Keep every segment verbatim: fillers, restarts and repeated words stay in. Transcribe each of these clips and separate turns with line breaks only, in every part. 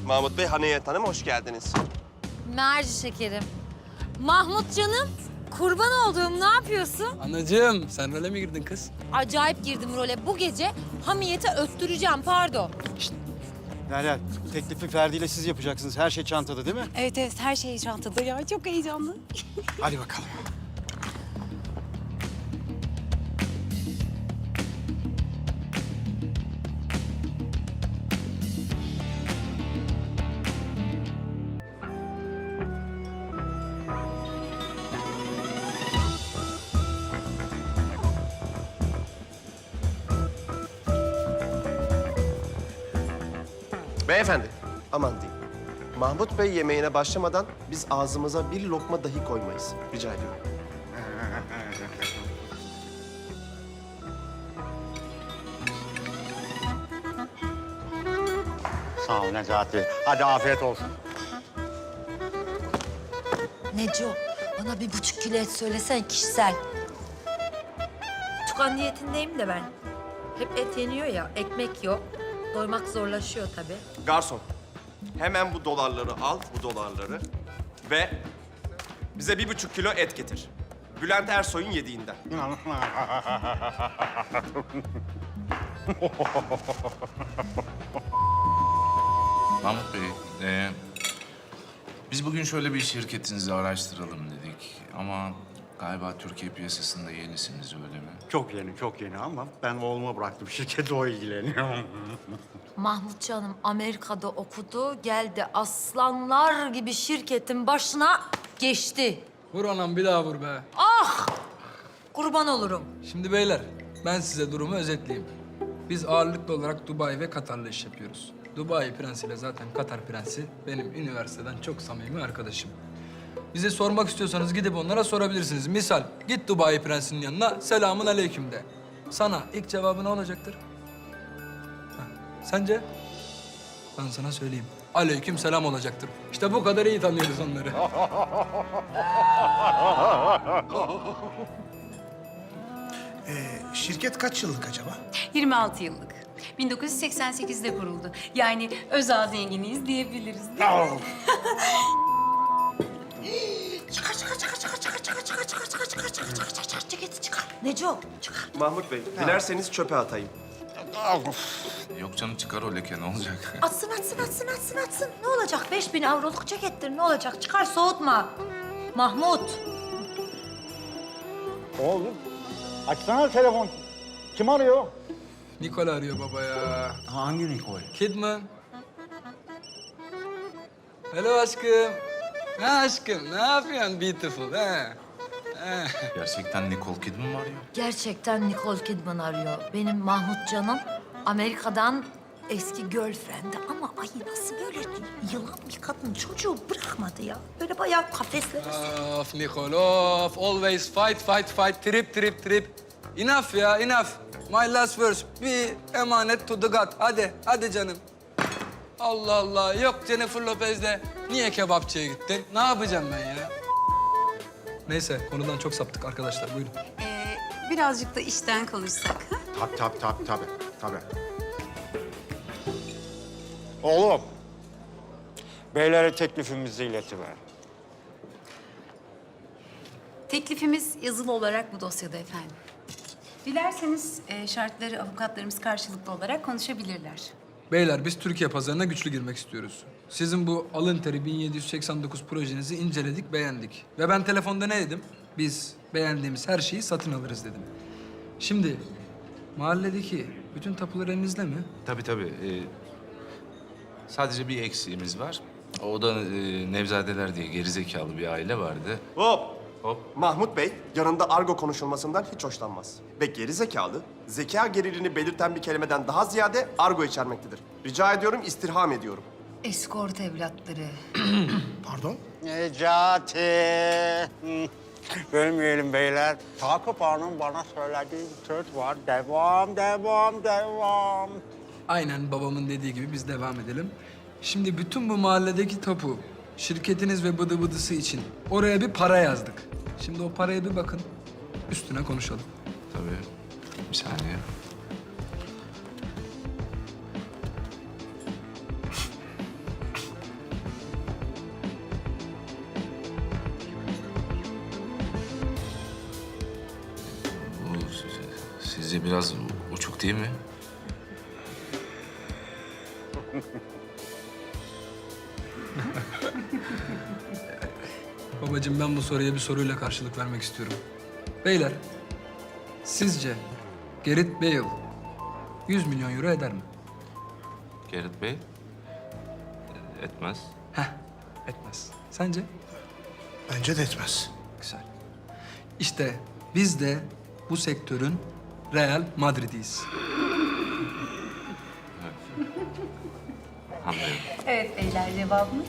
Mahmut Bey, Haniyet Hanım hoş geldiniz.
Merci şekerim. Mahmut canım, kurban olduğum ne yapıyorsun?
Anacığım, sen role mi girdin kız?
Acayip girdim role. Bu gece hamiyete öttüreceğim, pardon.
Derya, teklifi Ferdi ile siz yapacaksınız. Her şey çantada değil mi?
Evet evet her şey çantada ya. Çok heyecanlı.
Hadi bakalım.
Beyefendi, aman diyeyim. Mahmut Bey yemeğine başlamadan biz ağzımıza bir lokma dahi koymayız. Rica ediyorum.
Sağ ol Necati. Hadi afiyet olsun.
Neco, bana bir buçuk kilo et söylesen kişisel. Tukan diyetindeyim de ben. Hep et yeniyor ya, ekmek yok. Doymak zorlaşıyor tabii.
Garson, hemen bu dolarları al, bu dolarları ve bize bir buçuk kilo et getir. Bülent Ersoy'un yediğinden.
Mahmut Bey, e, biz bugün şöyle bir şirketinizi araştıralım dedik. Ama galiba Türkiye piyasasında yenisiniz, öyle mi?
Çok yeni, çok yeni ama ben oğluma bıraktım. Şirkete o ilgileniyor.
Mahmut canım Amerika'da okudu, geldi aslanlar gibi şirketin başına geçti.
Vur anam, bir daha vur be.
Ah! Kurban olurum.
Şimdi beyler, ben size durumu özetleyeyim. Biz ağırlıklı olarak Dubai ve Katar'la iş yapıyoruz. Dubai prensiyle zaten Katar prensi benim üniversiteden çok samimi arkadaşım. Bize sormak istiyorsanız gidip onlara sorabilirsiniz. Misal, git Dubai prensinin yanına, selamun aleyküm de. Sana ilk cevabı ne olacaktır? Ha, sence? Ben sana söyleyeyim. Aleyküm selam olacaktır. İşte bu kadar iyi tanıyoruz onları.
Ee, şirket kaç yıllık acaba?
yirmi altı yıllık. bin dokuz yüz seksen sekizde kuruldu. Yani özel zenginiyiz diyebiliriz. Değil mi?
Çıkar, çıkar, çıkar, çıkar, çıkar, çıkar, çıkar, çıkar, çıkar, çıkar, çıkar, çıkar, çıkar, çıkar, ceketi çıkar. Neco, çıkar.
Mahmut Bey, dilerseniz çöpe atayım.
Yok canım, çıkar o leke, ne olacak?
Atsın, atsın, atsın, atsın, atsın. Ne olacak? Beş bin avroluk cekettir, ne olacak? Çıkar, soğutma. Mahmut.
Oğlum, açsana telefon. Kim arıyor?
Nikol arıyor baba ya.
Hangi Nikol?
Kidman. Hello aşkım. Ha aşkım, ne yapıyorsun beautiful ha? Ha.
Gerçekten Nicole Kidman mı arıyor?
Gerçekten Nicole Kidman arıyor. Benim Mahmut canım Amerika'dan eski girlfriend'i ama ay nasıl böyle yılan bir kadın çocuğu bırakmadı ya. Böyle bayağı kafesleri.
Of Nicol, of. Always fight, fight, fight. Trip, trip, trip. Enough ya, enough. My last verse. Bir emanet to the God. Hadi, hadi canım. Allah Allah. Yok Jennifer Lopez'le. Niye kebapçıya gittin? Ne yapacağım ben ya? Neyse, konudan çok saptık arkadaşlar. Buyurun.
Ee, birazcık da işten konuşsak. Ha?
Tabii, tabii, tabii, tabii, tabii. Oğlum, beylere teklifimizi iletiver.
Teklifimiz yazılı olarak bu dosyada efendim. Dilerseniz e, şartları avukatlarımız karşılıklı olarak konuşabilirler.
Beyler, biz Türkiye pazarına güçlü girmek istiyoruz. Sizin bu alın teri bin yedi yüz seksen dokuz projenizi inceledik, beğendik. Ve ben telefonda ne dedim? Biz beğendiğimiz her şeyi satın alırız dedim. Şimdi mahalledeki bütün tapular elinizde mi?
Tabii tabii. e, sadece bir eksiğimiz var. O da e, Nevzadeler diye gerizekalı bir aile vardı.
Hop!
Hop.
Mahmut Bey yanında argo konuşulmasından hiç hoşlanmaz. Ve geri zekalı, zeka gerilini belirten bir kelimeden daha ziyade argo içermektedir. Rica ediyorum, istirham ediyorum.
Eskort evlatları.
Pardon?
Necati. Hı. Bölmeyelim beyler. Takip Ağa'nın bana söylediği bir söz var. Devam, devam, devam.
Aynen babamın dediği gibi biz devam edelim. Şimdi bütün bu mahalledeki tapu, şirketiniz ve bıdı bıdısı için oraya bir para yazdık. Şimdi o paraya bir bakın, üstüne konuşalım.
Tabii. Bir saniye. sizce biraz uçuk değil mi?
Babacığım ben bu soruya bir soruyla karşılık vermek istiyorum. Beyler, sizce Gareth Bale yüz milyon euro eder mi?
Gareth Bey? Etmez.
Heh, etmez. Sence?
Bence de etmez.
Güzel. İşte biz de bu sektörün Real Madrid'iyiz.
Anlıyorum.
Evet beyler, cevabımız.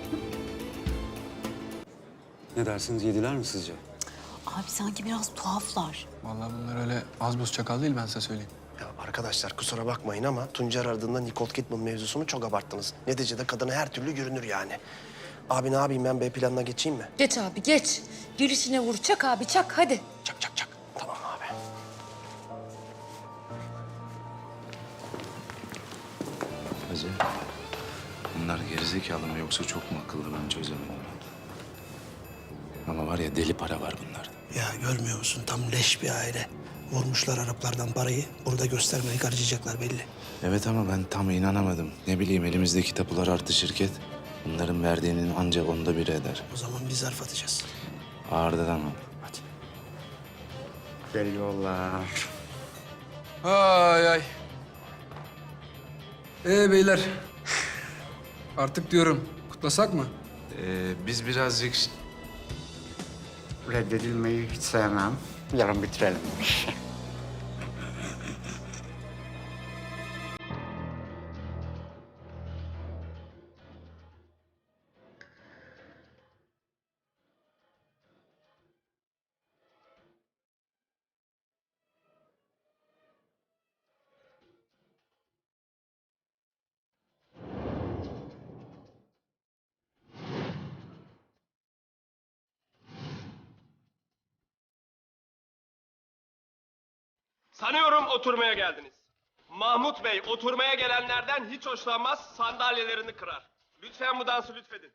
Ne dersiniz, yediler mi sizce?
Abi sanki biraz tuhaflar.
Vallahi bunlar öyle az buz çakal değil ben size söyleyeyim.
Ya arkadaşlar kusura bakmayın ama Tuncer aradığında Nicole Kidman mevzusunu çok abarttınız. Neticede kadına her türlü görünür yani. Abi ne yapayım ben B planına geçeyim mi?
Geç abi geç. Girişine vur. Çak abi çak hadi.
Çak çak çak. Tamam abi.
Hacı, bunlar gerizekalı mı yoksa çok mu akıllı ben çözemedim. Ama var ya deli para var bunlar.
Ya görmüyor musun? Tam leş bir aile. Vurmuşlar Araplardan parayı. Burada göstermeyi harcayacaklar belli.
Evet ama ben tam inanamadım. Ne bileyim elimizdeki tapular artı şirket. Bunların verdiğinin ancak onda biri eder.
O zaman biz zarf atacağız.
Ağırda tamam.
Hadi.
Geliyorlar.
Ay ay. Ee beyler. Artık diyorum kutlasak mı?
Ee, biz birazcık...
Reddedilmeyi hiç sevmem. Yarın bitirelim.
Sanıyorum oturmaya geldiniz. Mahmut Bey oturmaya gelenlerden hiç hoşlanmaz, sandalyelerini kırar. Lütfen bu dansı lütfedin.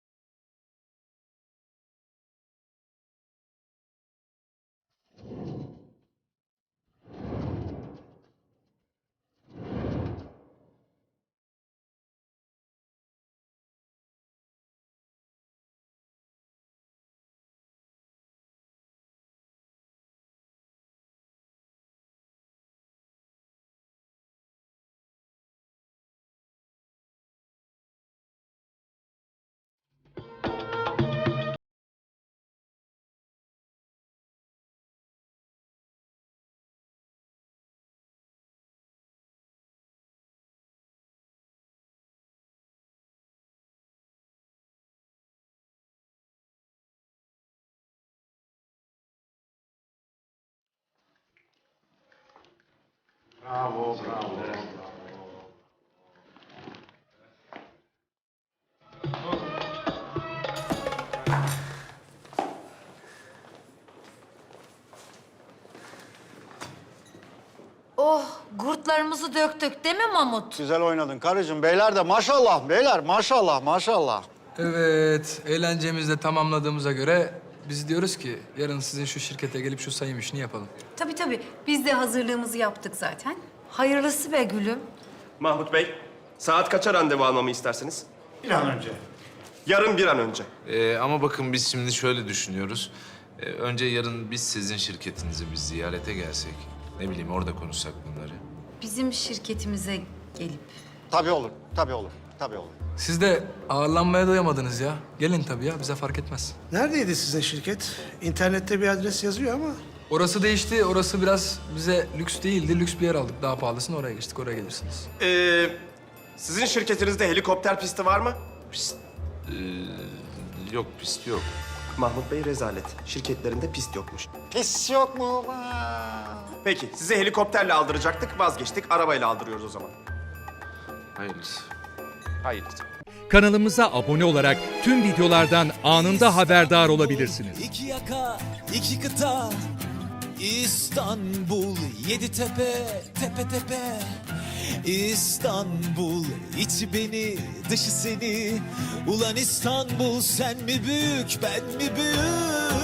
Oh gurtlarımızı döktük değil mi Mahmut?
Güzel oynadın karıcığım. Beyler de maşallah beyler maşallah maşallah.
Evet, eğlencemizi de tamamladığımıza göre biz diyoruz ki yarın sizin şu şirkete gelip şu sayım işini yapalım.
Tabii tabii, biz de hazırlığımızı yaptık zaten.
Hayırlısı be gülüm.
Mahmut Bey, saat kaça randevu almamı istersiniz?
Bir an önce.
Yarın bir an önce.
Ee, ama bakın biz şimdi şöyle düşünüyoruz. Ee, önce yarın biz sizin şirketinizi biz ziyarete gelsek. Ne bileyim orada konuşsak bunları.
Bizim şirketimize gelip.
Tabii olur, tabii olur, tabii olur.
Siz de ağırlanmaya doyamadınız ya. Gelin tabii ya, bize fark etmez.
Neredeydi sizin şirket? İnternette bir adres yazıyor ama.
Orası değişti, orası biraz bize lüks değildi. Lüks bir yer aldık, daha pahalısını oraya geçtik, oraya gelirsiniz.
Ee, sizin şirketinizde helikopter pisti var mı?
Ee, yok pist yok.
Mahmut Bey rezalet. Şirketlerinde pist yokmuş.
Pis yok mu?
Peki, sizi helikopterle aldıracaktık, vazgeçtik. Arabayla aldırıyoruz o zaman.
Hayırlısı.
Hayırlısı.
Kanalımıza abone olarak tüm videolardan anında haberdar olabilirsiniz.
İki yaka, iki kıta, İstanbul, yedi tepe, tepe tepe. İstanbul, içi beni, dışı seni. Ulan İstanbul, sen mi büyük, ben mi büyük?